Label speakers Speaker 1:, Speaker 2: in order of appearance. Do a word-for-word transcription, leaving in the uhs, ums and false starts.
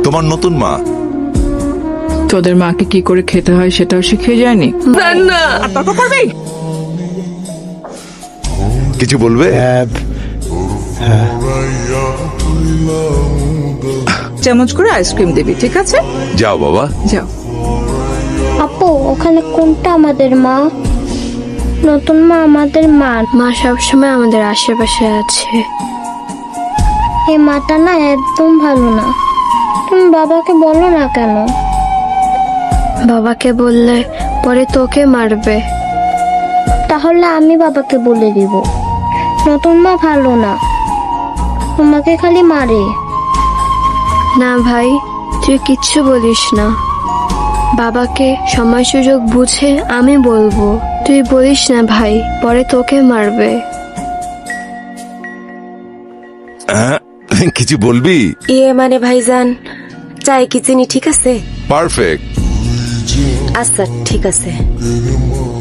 Speaker 1: তোমার নতুন মা।
Speaker 2: তোদের মাকে কি করে খেতে হয় সেটাও শিখিয়ে যায়নি?
Speaker 3: না আর তর্ক করবি?
Speaker 1: কিছু বলবে?
Speaker 3: চামচ করে আইসক্রিম দিবি, ঠিক আছে?
Speaker 1: যাও বাবা।
Speaker 2: যাও।
Speaker 4: আপু ওখানে কোনটা আমাদের মা? নতুন মা আমাদের মা।
Speaker 5: মা সবসময় আমাদের আশেপাশে আছে।
Speaker 4: এই মাটা না একদম ভালো না। তুমি বাবাকে বলো না কেন?
Speaker 5: বাবাকে বললে পরে তোকে মারবে।
Speaker 4: তাহলে আমি বাবাকে বলে দিব নতুন মা ভালো না, তোমাকে খালি মারে।
Speaker 5: না ভাই, তুই কিচ্ছু বলিস না। বাবাকে সময় সুযোগ বুঝে আমি বলবো। তুই বলিস না ভাই, পরে তোকে মারবে।
Speaker 1: হ্যাঁ, কিছু বলবি?
Speaker 6: ইয়ে মানে ভাইজান, চাই কি চিনি ঠিক আছে?
Speaker 1: পারফেক্ট।
Speaker 6: আচ্ছা ঠিক আছে।